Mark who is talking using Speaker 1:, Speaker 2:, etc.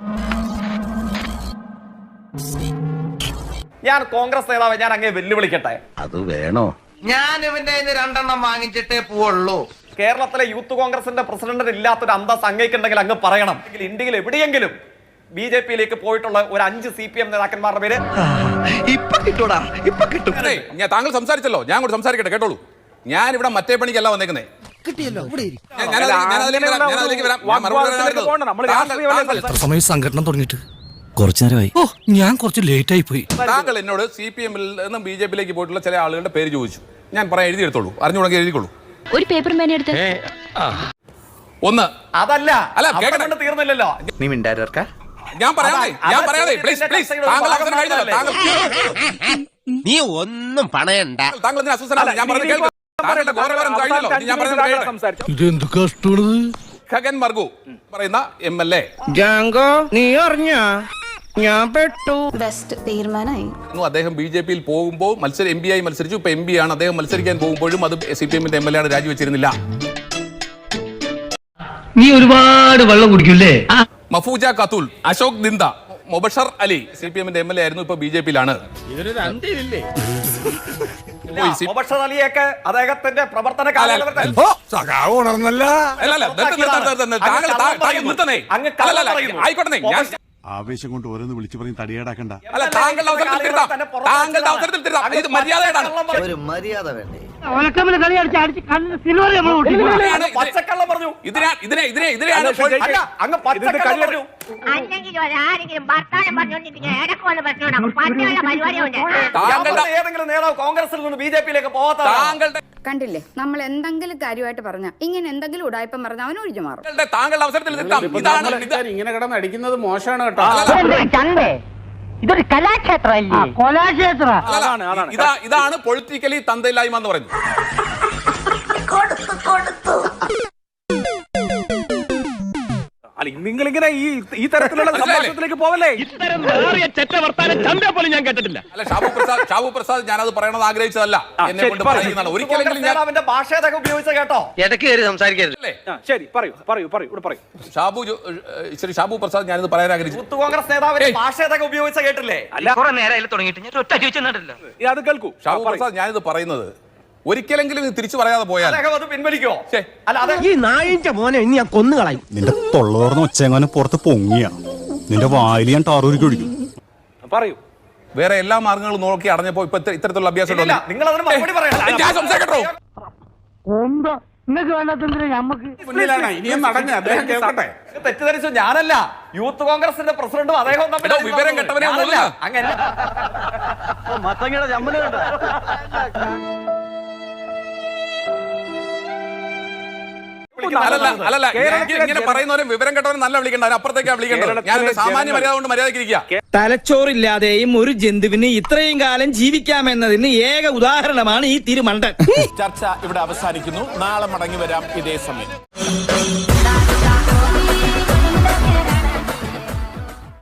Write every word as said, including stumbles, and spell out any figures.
Speaker 1: ഞാൻ കോൺഗ്രസ് നേതാവ്, ഞാൻ അങ്ങേ വെല്ലുവിളിക്കട്ടെ.
Speaker 2: അത് വേണോ?
Speaker 3: ഞാൻ ഇവന്റെ രണ്ടെണ്ണം വാങ്ങിച്ചിട്ടേ പോവുള്ളൂ.
Speaker 1: കേരളത്തിലെ യൂത്ത് കോൺഗ്രസിന്റെ പ്രസിഡന്റിന് ഇല്ലാത്തൊരു അന്തസ് അങ്ങേക്കുണ്ടെങ്കിൽ അങ്ങ് പറയണം. ഇന്ത്യയിൽ എവിടെയെങ്കിലും ബി ജെ പിയിലേക്ക് പോയിട്ടുള്ള ഒരു അഞ്ച് സി പി എം നേതാക്കന്മാരുടെ പേര്
Speaker 3: ഇപ്പൊ കിട്ടൂടാ, ഇപ്പൊ കിട്ടും.
Speaker 4: ഞാൻ താങ്കൾ സംസാരിച്ചല്ലോ, ഞാൻ കൂടി സംസാരിക്കട്ടെ, കേട്ടോളൂ. ഞാൻ ഇവിടെ മറ്റേ പണിക്കല്ല വന്നേക്കുന്നേ.
Speaker 5: സംഘടന തുടങ്ങിയിട്ട് കുറച്ചു നേരമായി. ഓ, ഞാൻ കുറച്ച് ലേറ്റ് ആയി പോയി.
Speaker 4: താങ്കൾ എന്നോട് സി പി എമ്മിൽ നിന്നും ബി ജെ പിയിലേക്ക് പോയിട്ടുള്ള ചില ആളുകളുടെ പേര് ചോദിച്ചു. ഞാൻ പറയാൻ എഴുതിയെടുത്തോളൂ, അറിഞ്ഞുകൊണ്ടെങ്കിൽ എഴുതിക്കോളൂ.
Speaker 6: ഒരു പേപ്പർ പേന എടുത്ത്.
Speaker 4: ഒന്ന്
Speaker 1: അതല്ല
Speaker 4: അല്ല
Speaker 1: കേൾക്കണ്ട, തീർന്നില്ലല്ലോ.
Speaker 2: നീ മിണ്ടായിരുക്ക.
Speaker 4: ഞാൻ പറയാതെ ഞാൻ പറയാതെ പ്ലീസ് പ്ലീസ് താങ്കൾ അവസരം കഴിഞ്ഞല്ലോ. താങ്കൾ
Speaker 3: നീ ഒന്നും പണയണ്ട.
Speaker 4: താങ്കൾ ഇതിന് അസ്വസ്ഥനാണ്. ഞാൻ പറഞ്ഞത് കേൾക്കും. താങ്കളുടെ ഗൗരവം കഴിഞ്ഞല്ലോ. ഞാൻ പറഞ്ഞത്
Speaker 5: ഇതെന്ത് കഷ്ടമാണ്.
Speaker 4: ഖഗൻ മർഗു പറയുന്ന എം എൽ എ
Speaker 3: ജാങ്കോ, നീ അറിഞ്ഞ ഞാൻ പെട്ടു.
Speaker 6: ബെസ്റ്റ് തീരുമാനമായി.
Speaker 4: അദ്ദേഹം ബി ജെ പിയിൽ പോകുമ്പോൾ മത്സര എം പി ആയി മത്സരിച്ചു. ഇപ്പൊ എം പി ആണ്. അദ്ദേഹം മത്സരിക്കാൻ പോകുമ്പോഴും അത് സി പി എമ്മിന്റെ എം എൽ എ ആണ്, രാജിവെച്ചിരുന്നില്ല.
Speaker 7: നീ ഒരുപാട് വെള്ളം കുടിക്കൂല്ലേ?
Speaker 4: മഫൂജ ഖത്തൂൽ, അശോക് ദിന്ദ, മുബഷർ അലി സി പി എമ്മിന്റെ എം എൽ എ ആയിരുന്നു, ഇപ്പൊ ബി ജെ പിയിലാണ്.
Speaker 1: മുബഷർ അലിയൊക്കെ അദ്ദേഹത്തിന്റെ പ്രവർത്തന
Speaker 4: ആയിക്കോട്ടെ. ഞാൻ
Speaker 8: ആവേശം കൊണ്ട് ഓരോന്ന് വിളിച്ചു പറയും തടിയേടാക്കണ്ട.
Speaker 4: അല്ല, താങ്കളുടെ അവസരത്തിൽ തിരുത്താം. താങ്കളുടെ അവസരത്തിൽ തിരുത്താം. ഇത് മര്യാദയാണ്.
Speaker 2: ഒരു മര്യാദ വേണ്ടേ?
Speaker 1: പച്ചക്കള്ളം പറഞ്ഞു.
Speaker 4: ഇതിനെ ഇതിനെ ഇതിനെ ഇതിനെയാണ്
Speaker 1: അങ്ങ് പച്ചക്കള്ളം പറഞ്ഞു. ഏതെങ്കിലും നേതാവ് കോൺഗ്രസിൽ നിന്ന് ബി ജെ പിയിലേക്ക് പോകാത്ത
Speaker 4: താങ്കളുടെ
Speaker 6: കണ്ടില്ലേ, നമ്മൾ എന്തെങ്കിലും കാര്യമായിട്ട് പറഞ്ഞ ഇങ്ങനെ എന്തെങ്കിലും ഉടായ്പം പറഞ്ഞ അവൻ ഒഴിഞ്ഞു മാറും.
Speaker 4: താങ്കളുടെ അവസരത്തിൽ തിരുത്താം. ഇതാണ്
Speaker 9: ഇങ്ങനെ കിടന്ന് അടിക്കുന്നത് മോശമാണ് കേട്ടോ.
Speaker 7: ഇതൊരു കലാക്ഷേത്രമല്ലേ? കലാക്ഷേത്ര
Speaker 4: ഇതാണ് പൊളിറ്റിക്കലി തന്തയില്ലായ്മ എന്ന് പറയുന്നത്.
Speaker 1: നിങ്ങളിങ്ങനെ ഈ ഈ തരത്തിലുള്ള സംഭാഷണത്തിലേക്ക് പോവല്ലേ?
Speaker 9: ഇത്തരം നേറിയ ചെറ്റ വർത്താനം ചന്ത പോലും ഞാൻ കേട്ടിട്ടില്ല.
Speaker 4: അല്ല, ഷാബു പ്രസാദ് ഷാബു പ്രസാദ് ഞാനത് പറയണത് ആഗ്രഹിച്ചതല്ല. എന്നെ കൊണ്ട് പറയുന്നതാണ്. ഒരിക്കലെങ്കിലും ഞാൻ
Speaker 1: അവന്റെ ഭാഷയൊക്കെ ഉപയോഗിച്ച കേട്ടോ.
Speaker 3: ഇടയ്ക്ക് കയറി സംസാരിക്കരുത്.
Speaker 1: ശരി, പറയൂ പറയൂ പറയൂ ഇവിടെ പറയൂ.
Speaker 4: ഷാബു ശ്രീ ഷാബു പ്രസാദ് ഞാനിത് പറയാൻ ആഗ്രഹിച്ചു.
Speaker 1: യൂത്ത് കോൺഗ്രസ് നേതാവിന്റെ ഭാഷയൊക്കെ ഉപയോഗിച്ച കേട്ടില്ലേ?
Speaker 7: അല്ല, കുറെ നേരം തുടങ്ങിയിട്ട് ഞാൻ ഒറ്റ ചോദിച്ചെന്നിട്ടില്ല.
Speaker 1: അത് കേൾക്കൂ.
Speaker 4: ഷാബു പ്രസാദ് ഞാനിത് പറയുന്നത് ഒരിക്കലെങ്കിലും തിരിച്ചു പറയാതെ പോയാൽ
Speaker 1: പിൻവലിക്കോ?
Speaker 7: ഈ നായിന്റെ മോനെ ഇനി ഞാൻ കൊന്നുകളയും.
Speaker 8: നിന്റെ തൊള്ള തുറന്ന് ഒച്ചെങ്ങാനും പുറത്ത് പൊങ്ങിയ നിന്റെ വായിൽ ഞാൻ ടാറൂരിക്ക് ഒഴിക്കും.
Speaker 1: പറയൂ.
Speaker 4: വേറെ എല്ലാ മാർഗങ്ങളും നോക്കി അടഞ്ഞപ്പോ ഇപ്പൊ ഇത്തരത്തിലുള്ള അഭ്യാസം
Speaker 1: നിങ്ങൾ അതിന് മറുപടി പറയണം. തെറ്റിദ്ധരിച്ചു. ഞാനല്ല, യൂത്ത് കോൺഗ്രസിന്റെ പ്രസിഡന്റും അദ്ദേഹം
Speaker 4: വിവരം കെട്ടവനെ
Speaker 1: അങ്ങനെ
Speaker 4: അല്ലല്ല, ഇങ്ങനെ പറയുന്നവരും വിവരം കേട്ടവരും നല്ല വിളിക്കേണ്ട, അപ്പുറത്തേക്കാ വിളിക്കേണ്ടത്. ഞാൻ സാമാന്യ മര്യാദ കൊണ്ട് മര്യാദക്കിരിക്കുക.
Speaker 7: തലച്ചോറില്ലാതെയും ഒരു ജന്തുവിന് ഇത്രയും കാലം ജീവിക്കാമെന്നതിന് ഏക ഉദാഹരണമാണ് ഈ തിരുമണ്ടൻ.
Speaker 9: ചർച്ച ഇവിടെ അവസാനിക്കുന്നു. നാളെ മടങ്ങി വരാം ഇതേ സമയം.